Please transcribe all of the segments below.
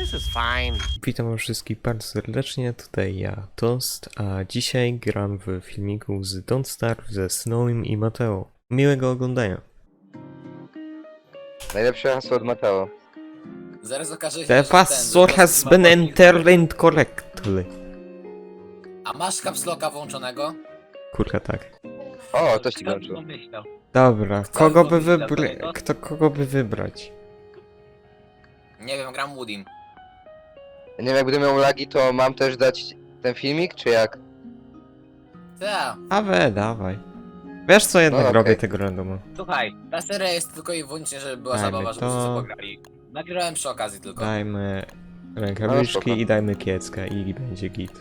This is fine. Witam wszystkich bardzo serdecznie, tutaj ja, Toast, a dzisiaj gram w filmiku z Don't Starve ze Snowym i Mateo. Miłego oglądania. Najlepsze hasło od Mateo. Zaraz okaże się, The że password has been entered correctly. A masz capslocka włączonego? Kurka tak. O, to ci włączył. Dobra, Chcę kogo by zrobić wybrać? dlatego. Kogo by wybrać? Nie wiem, gram Woodim. Nie wiem, jak będę miał lagi, to mam też dać ten filmik, czy jak? Ta, Dawaj. Wiesz co, jednak No, robię okej. tego randoma. Słuchaj, ta seria jest tylko i wyłącznie, żeby była Dajmy zabawa, żeby to. wszyscy pograli. Nagrywałem przy okazji tylko. Dajmy No, rękawiczki spoko. i dajmy kiecka i będzie git.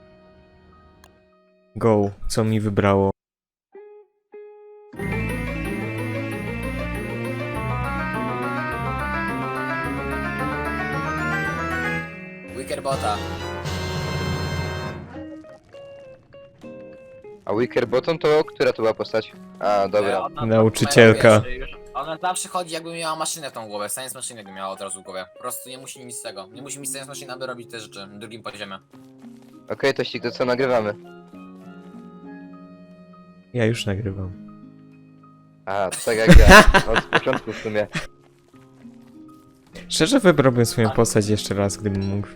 Go, co mi wybrało? Wickerbota. A Wicker Bottom to która to była postać? A, dobra. Ona, Nauczycielka. Ona zawsze chodzi, jakby miała maszynę w tą głowę. Science Machine jakby miała od razu w głowie. Po prostu nie musi nic z tego. Nie musi mieć Science Machine, aby robić te rzeczy na drugim poziomie. Okej, Tościk, to co nagrywamy? Ja już nagrywam. A, to tak jak ja. Od początku w sumie. Szczerze wybrałbym swoją postać jeszcze raz, gdybym mógł.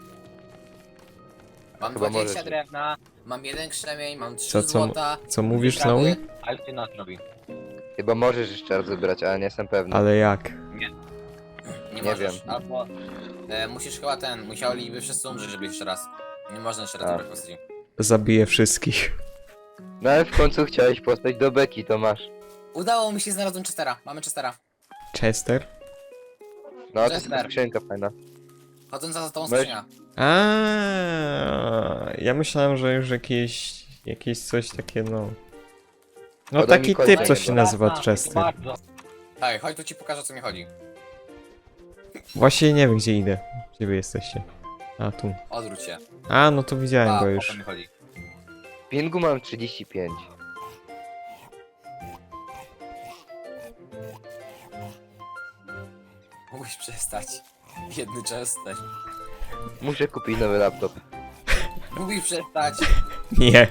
Mam Chyba 20 możesz. drewna, mam 1 krzemień, mam 3 Co złota. Co mówisz, Wyprawy. Snowy? Ale ty nas robi. Chyba możesz jeszcze raz wybrać, ale nie jestem pewny. Ale jak? Nie Nie możesz. wiem. Albo musisz chyba musieliby wszyscy umrzeć, żeby jeszcze raz. Nie można jeszcze raz A. wybrać postaci. Zabiję wszystkich. No ale w końcu chciałeś postać do beki, to masz. Udało mi się, znalazłem Chestera. Mamy Chestera. Chester? No, to jest Chester. skrzynka fajna. Chodząca za tą Możesz- skrzynia. Ja myślałem, że już jakieś coś takie, no. No Podaj mi taki kod typ, do co niego. się nazywa Chester. Bardzo. Tak, chodź tu ci pokażę, o co mi chodzi. Właśnie nie wiem, gdzie idę. Gdzie wy jesteście? A, tu. Odwróć się. A, no to widziałem go o to już. mi chodzi. Pingu mam 35. Musisz przestać. Jedny Chester. Muszę kupić nowy laptop. Musisz przestać. Nie.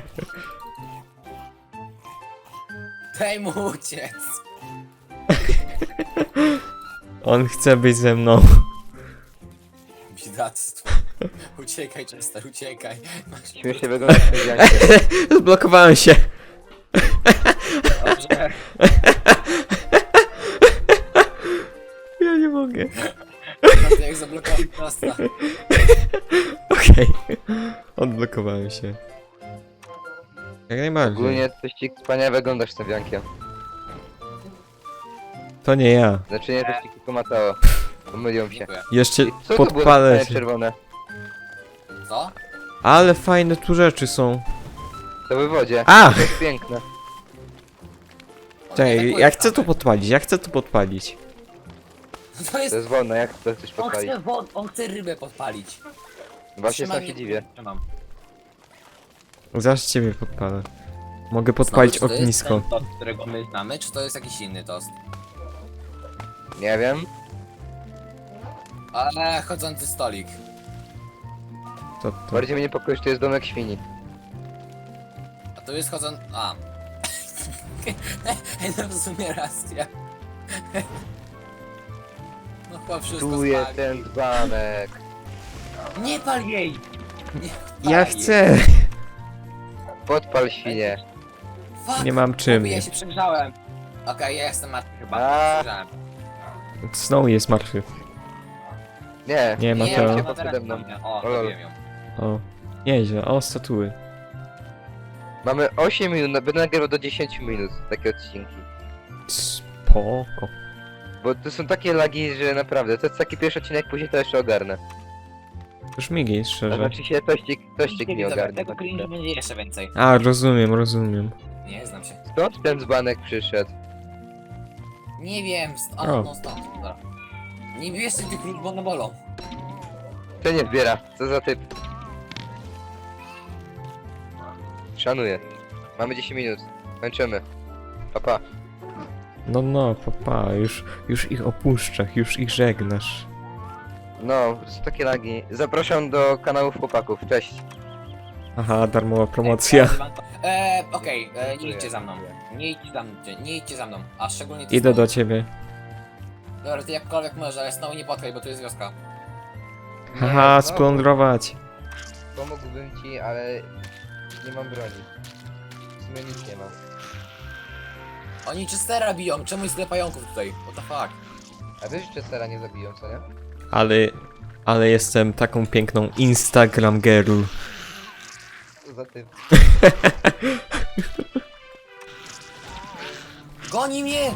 Daj mu uciec. On chce być ze mną. Bidactwo. Uciekaj, Chester, uciekaj. Masz Śmiesznie wygląda w Jankie. Zblokowałem się. Dobrze. Ja nie mogę. Naprawdę jak zablokowałem prosta. Okej. Odblokowałem się. Jak najbardziej. Ogólnie Tościk wspaniale wyglądasz z tym Jankiem. To nie ja. Znaczy nie Tościk, tylko Mateo. Pomylią się. Dziękuję. Jeszcze Co to było podpalę za się. czerwone? Co? Ale fajne tu rzeczy są. To we wodzie. A! To jest piękne. O, Czekaj, nie, tak ja chcę tu powiem. podpalić, ja chcę tu podpalić. To To jest... jest wolne, jak to chcesz On podpalić? chce, on chce rybę podpalić. Właśnie Trzymaj sam się mnie. dziwię. Trzymam. Zaraz ciebie podpalę. Mogę podpalić Znowu, czy to jest ognisko. To, którego my znamy. Znamy, czy to jest jakiś inny tost? Nie wiem. Ale chodzący stolik. To. Bardziej mnie niepokoi, że to jest domek świni. A tu jest chodzący... A. Ej, no w sumie racja. No chyba wszystko Tu jest spali. ten dzbanek. Nie pal jej! Nie Ja pal jej. chcę! Podpal świnie. Fuck! Nie mam czym. Ja się przegrzałem. Okej, ja jestem martwy chyba. A. Przegrzałem. Snow jest martwy. Nie. Nie, Nie, Mateo. się No, teraz pode mną. mamy. O, O, lol. robiłem ją. O. Nieźle. O, statuły. Mamy 8 minut, no będę nagrywał do 10 minut takie odcinki. Spoko. Bo to są takie lagi, że naprawdę, to jest taki pierwszy odcinek, później to jeszcze ogarnę. Już migi, To szczerze. znaczy się tościk mi Dobra, ogarnie. tego cringe będzie jeszcze więcej. A, rozumiem. Nie znam się. Skąd ten dzbanek przyszedł? Nie wiem, O. no stąd. Dobra. Nie bierzcie tych ludzi, bo one bolą. To nie zbiera, co za typ? Szanuję. Mamy 10 minut. Kończymy. Pa. No, papa, już ich opuszczasz, już ich żegnasz. No, po prostu takie lagi. Zapraszam do kanałów chłopaków, cześć. Aha, darmowa promocja. Okej, nie idźcie za mną. Nie idźcie za mną. A szczególnie ty, Idę Snow. do ciebie. Dobra, ty jakkolwiek możesz, ale Snow nie potkaj, bo tu jest wioska. Haha, Nie, splądrować. pomógłbym ci, ale nie mam broni. W sumie nic nie mam. Oni Chestera biją, czemu jest tyle pająków tutaj? What the fuck? A wiesz, że Chestera nie zabiją, co nie? Ale jestem taką piękną Instagram girl. Co za typ. Goni mnie!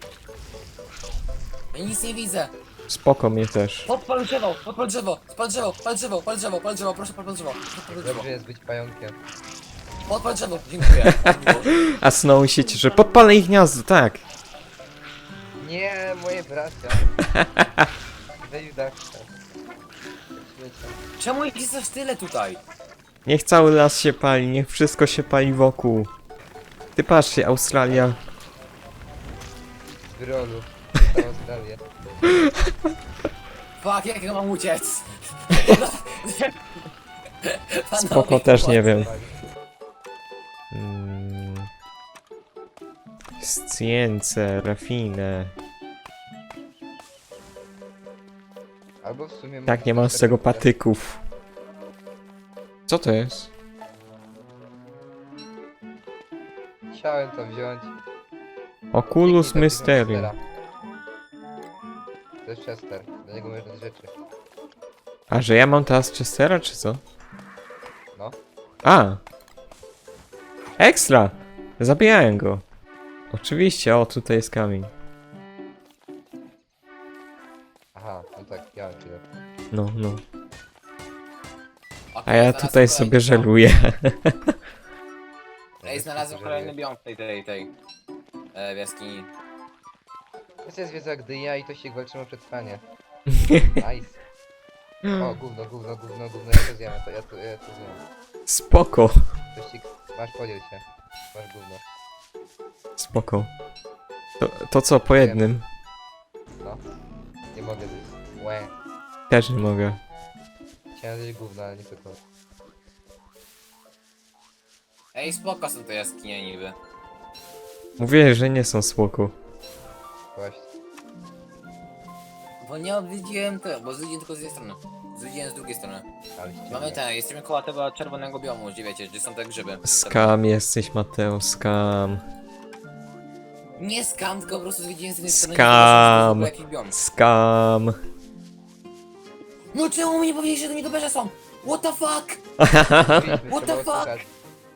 Ja nic nie widzę. Spoko mnie też. Podpal drzewo, podpal drzewo, spal drzewo, pal drzewo, pal drzewo, pal drzewo, proszę podpal drzewo. Podpal drzewo, Dobrze jest być pająkiem. podpal drzewo, dziękuję. A Snow się cieszy, że podpalę ich gniazdo, tak. Nie, moje bracia. Weź dach. Śmiecie. Czemu ich jest aż tyle tutaj? Niech cały las się pali, niech wszystko się pali wokół. Ty patrzcie, Australia. Z Wyrolu. Całą Australię. Fuck, jak ja mam uciec? Spoko, też nie wiem. Science, rafine. Albo w sumie... Tak, nie mam z tego patyków. Co to jest? Chciałem to wziąć. Oculus Dzięki za Mysterium. Chestera. To jest Chester. Do niego można dać rzeczy. A, że ja mam teraz Chestera, czy co? No. A! Ekstra! Zabijałem go. Oczywiście, o, tutaj jest kamień. Aha, no tak, ja mam chwilę. No, no. A Okej, ja znalazłem tutaj kolejny sobie biom. żeluję. Ej, znalazłem kolejny biom w tej jaskini. To jest wiedza gdy ja i Tościk walczymy o przetrwanie. Nice. O, gówno, gówno, gówno, gówno, ja to zjem, ja to zjem. Spoko. Tościk, masz, podziel się. Masz gówno. Spoko. To co, po jednym? No. Nie mogę zjeść. Łe. Też nie mogę. Chciałem zjeść gówno, ale nie tylko. Ej, spoko są te jaskinie niby. Mówię, że nie są spoko. Właśnie. Bo nie odwiedziłem to, bo zwiedziłem tylko z jednej strony. Zwiedziłem z drugiej strony. Ale ściemnia. Mamy ten, jesteśmy koło tego czerwonego biomu, gdzie wiecie, gdzie są te grzyby. Skam jesteś, Mateo, skam. Nie skam, tylko po prostu zwiedziłem z jednej strony. Skam. Nie jakiś biom. Skam. No czemu mi nie powiedzieli, że to nietoperze są? What the fuck? Mówiliśmy, What trzeba the fuck? oszukać.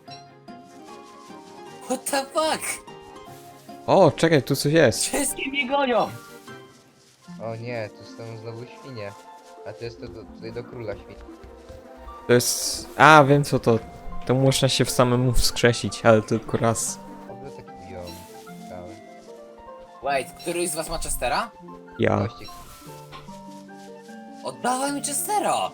What the fuck? O, czekaj, tu coś jest. Wszystkie mnie gonią! O nie, tu są znowu świnie. A to jest to tutaj do króla świn. To jest... A, wiem co to. To można się w samemu wskrzesić, ale tylko raz. Oby taki biom. Cały. Wait, któryś z was ma Chestera? Ja. Tościk. Oddawaj mi Chestera!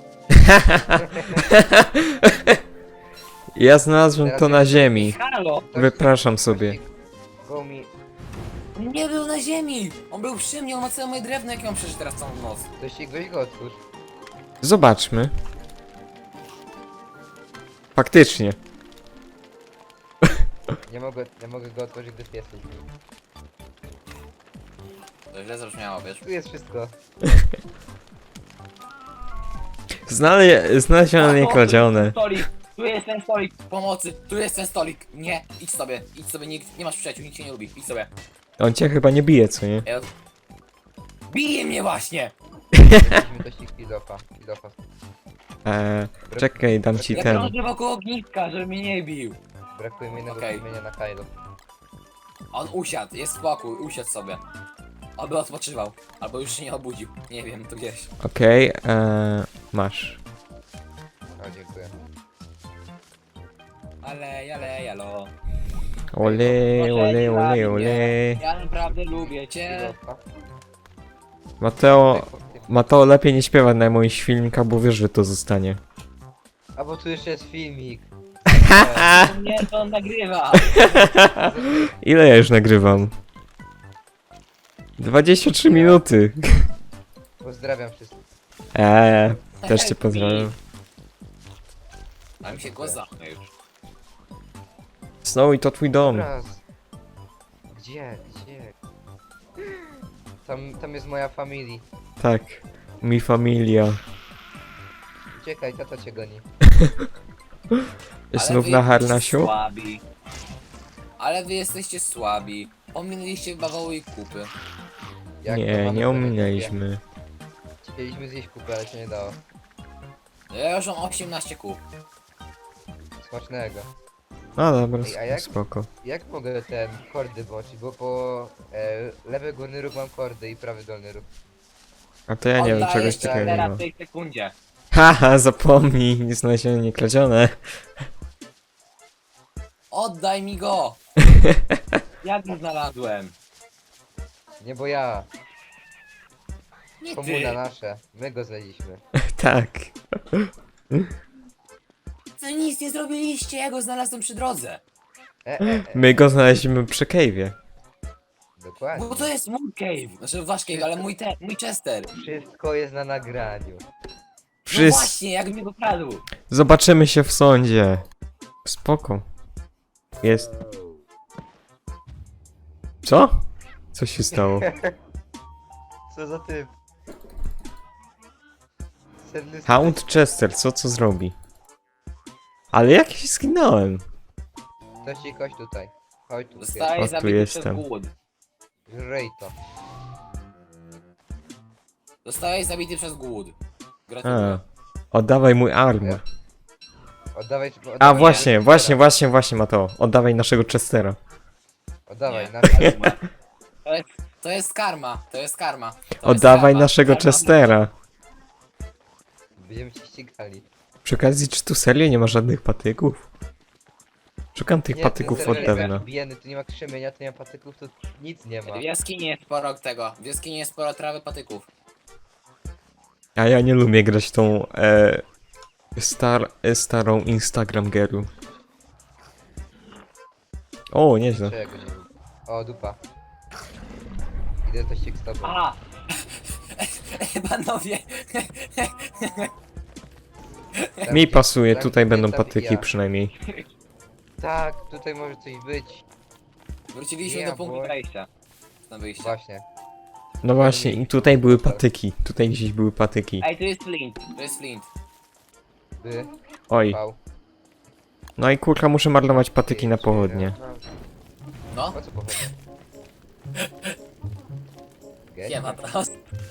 Ja znalazłem to na ziemi. Halo! Wypraszam sobie. Tościk, go mi... Nie był na ziemi! On był przy mnie, on ma całe moje drewno, jakie mam przeżyć teraz całą noc. Tościk, weź go otwórz. Zobaczmy. Faktycznie. Nie mogę go otworzyć, gdy pies jest. To źle zabrzmiało, wiesz? Tu jest wszystko. Znalezione niekradzione. Stolik! Tu jest ten stolik! Pomocy! Tu jest ten stolik! Nie! Idź sobie! Idź sobie, nie masz przyjaciół, nikt cię nie lubi. Idź sobie. On cię chyba nie bije, co nie? Ja... Bije mnie właśnie! Weźmy Tościk filofa. Filofa. Czekaj, dam ci Ja ten. krążę wokół ogniska, żeby mnie nie bił. Brakuje mi jednego Okej. kamienia na Kylo. On usiadł, jest spokój, usiadł sobie. Oby odpoczywał. Albo już się nie obudził. Nie wiem, to gdzieś. Okej, masz. O, dziękuję. Ale, jalo. Ole, ole, ole, ole. Ja naprawdę lubię cię. Filofa. Mateo lepiej nie śpiewa na moich filmikach, bo wiesz, że to zostanie. A bo tu jeszcze jest filmik. Nie, to on nagrywa. Ile ja już nagrywam? 23 minuty. Pozdrawiam wszystkich. Też cię pozdrawiam. A mi się głos zamknął już. Snowy, to twój dom. Raz. Gdzie? Tam jest moja familia. Tak. Mi familia. Uciekaj, tata cię goni. Znów wy na jesteście harnasiu? Słabi. Ale wy jesteście słabi. Ominęliście bawoły i kupy. Jak to Nie, mamy nie prawie ominęliśmy. kupie? Chcieliśmy zjeść kupę, ale się nie dało. No ja już mam 18 kup. Smacznego. No dobra, Ej, a jak? spoko. Jak mogę ten kordy włączyć? Bo po lewy górny róg mam kordy i prawy dolny róg. A to ja nie wiem, Oddajesz czegoś takiego nie teraz ma. w tej sekundzie. Haha, zapomnij, nie znalezione, nie kradzione. Oddaj mi go! Jak go znalazłem? Nie, bo ja. Nie Komuna ty! nasze. My go znaleźliśmy. Tak. Wy nic nie zrobiliście, ja go znalazłem przy drodze. My go znaleźliśmy przy cave'ie. Dokładnie. Bo to jest mój cave. Znaczy wasz cave, ale mój Chester. Wszystko jest na nagraniu. No właśnie, jak mi go kradł. Zobaczymy się w sądzie. Spoko. Jest. Co? Co się stało? Co za typ? Sedny Hound Chester, co zrobi? Ale jak się zginąłem? Ktoś ci kość tutaj. Chodź tu. Zostaje O, tu zabity przez jestem. głód. Żrej to. Zostałeś zabity przez głód. A, Gratuluję. oddawaj mój armor. Oddawaj. A oddawaj właśnie, Mateo. Oddawaj naszego Chestera. Oddawaj, Nie. na To jest karma, to jest karma. To jest Oddawaj karma. naszego Karma. Chestera. Będziemy cię ścigali. Przy okazji, czy tu serio nie ma żadnych patyków? Szukam tych Nie, patyków ten od serwer dawna. jest biedny, tu nie ma krzemienia, tu nie ma patyków, tu nic nie ma. W jaskini jest sporo tego. W jaskini jest sporo trawy patyków. A ja nie lubię grać tą starą Instagram girl. O, nieźle. Czego nie lubię. O, dupa. Idę to ścig z tobą. A! Panowie! Tam Mi gdzie- pasuje, tam tutaj gdzie będą tam patyki ja. przynajmniej. Tak, tutaj może coś być. Wróciliśmy Nie, do punktu bo- wejścia. Na wyjście. Właśnie. No właśnie, i tutaj były patyki. Tutaj gdzieś były patyki. Ej, tu jest flint, tu jest flint. By. Oj. Pał. No i kurka, muszę marnować patyki na pochodnie. No, Po co pochodnie? nie ma teraz.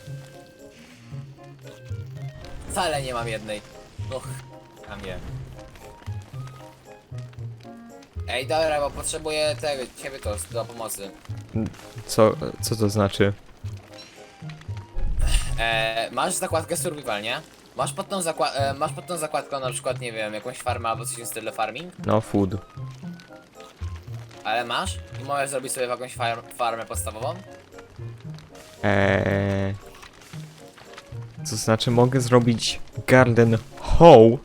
Wcale nie mam jednej. Och, a nie. Ej, dobra, bo potrzebuję ciebie to do pomocy. Co to znaczy? Masz zakładkę survival, nie? Masz pod tą zakładką na przykład, nie wiem, jakąś farmę albo coś w stylu farming? No, food. Ale masz? I możesz zrobić sobie jakąś farmę podstawową? To znaczy, mogę zrobić garden hoe.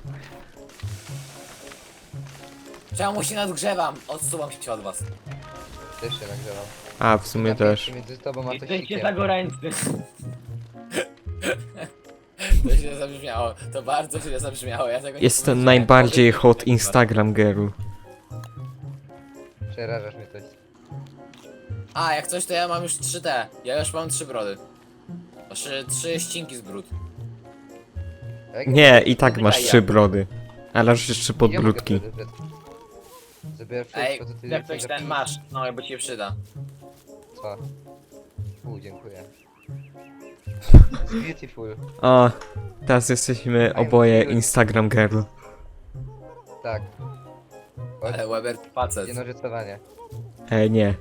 Czemu się nadgrzewam? Odsuwam się od was. Też się nagrzewam. A, w sumie też. Między tobą a to Jesteście sikiem. zagoręcy. To źle zabrzmiało, to bardzo źle zabrzmiało, ja tego nie Jestem powiedziałem. najbardziej Powiedz mi hot tego. Instagram girl. Przerażasz mnie coś. A, jak coś to ja mam już 3 ja już mam 3 brody. Znaczy 3 ścinki z brud. Jak Nie, i tak Pytaj masz ja. 3 brody. Ale masz jeszcze podbródki. Zabierasz Ej, wszystko, co ty jak ktoś chcesz ten zapisać. masz, no bo ci się przyda. Co? Dziękuję. It's beautiful. O, teraz jesteśmy oboje Instagram girl. Tak. Chodź, Ale Weber facet. jednożycowanie. Nie.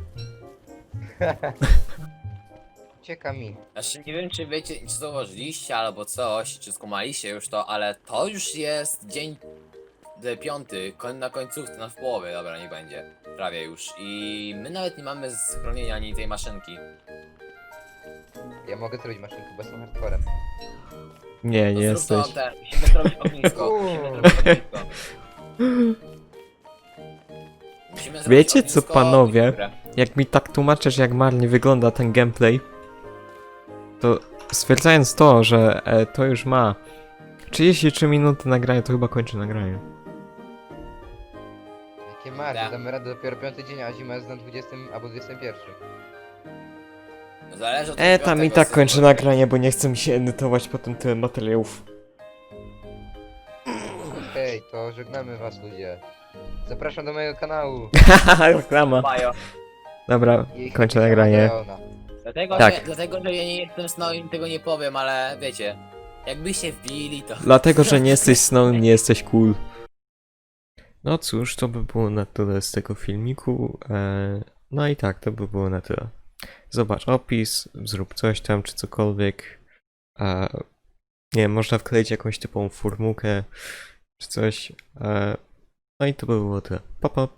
Ucieka mi. Znaczy nie wiem czy wiecie, czy zauważyliście albo coś, czy skumaliście już to, ale to już jest dzień 5, na końcówce, w połowie, dobra, niech będzie. Prawie już. I my nawet nie mamy schronienia ani tej maszynki. Ja mogę zrobić maszynkę, bo jestem hardcorem. Nie, To nie zrób to jesteś. musimy zrobić ognisko. Musimy zrobić ognisko. Musimy zrobić Wiecie co, ognisko panowie? i górę. Jak mi tak tłumaczysz, jak marnie wygląda ten gameplay, to stwierdzając to, że to już ma 33 minuty nagrania, to chyba kończę nagranie. Jakie marnie, Tak. damy radę dopiero 5 dzień, a zima jest na 20 albo 21. Zależy od Tam i tak kończę nagranie, bo nie chcę mi się edytować potem tyle materiałów. Okej, to żegnamy was ludzie. Zapraszam do mojego kanału. Reklama. Bajo. Dobra, I kończę nagranie. Dlatego, Tak. dlatego, że ja nie jestem Snowim, tego nie powiem, ale wiecie, jakbyście wbili to... Dlatego, że nie jesteś Snow, nie jesteś cool. No cóż, to by było na tyle z tego filmiku. No i tak, to by było na tyle. Zobacz opis, zrób coś tam, czy cokolwiek. Nie wiem, można wkleić jakąś typową formułkę, czy coś. No i to by było tyle. Pa, pa.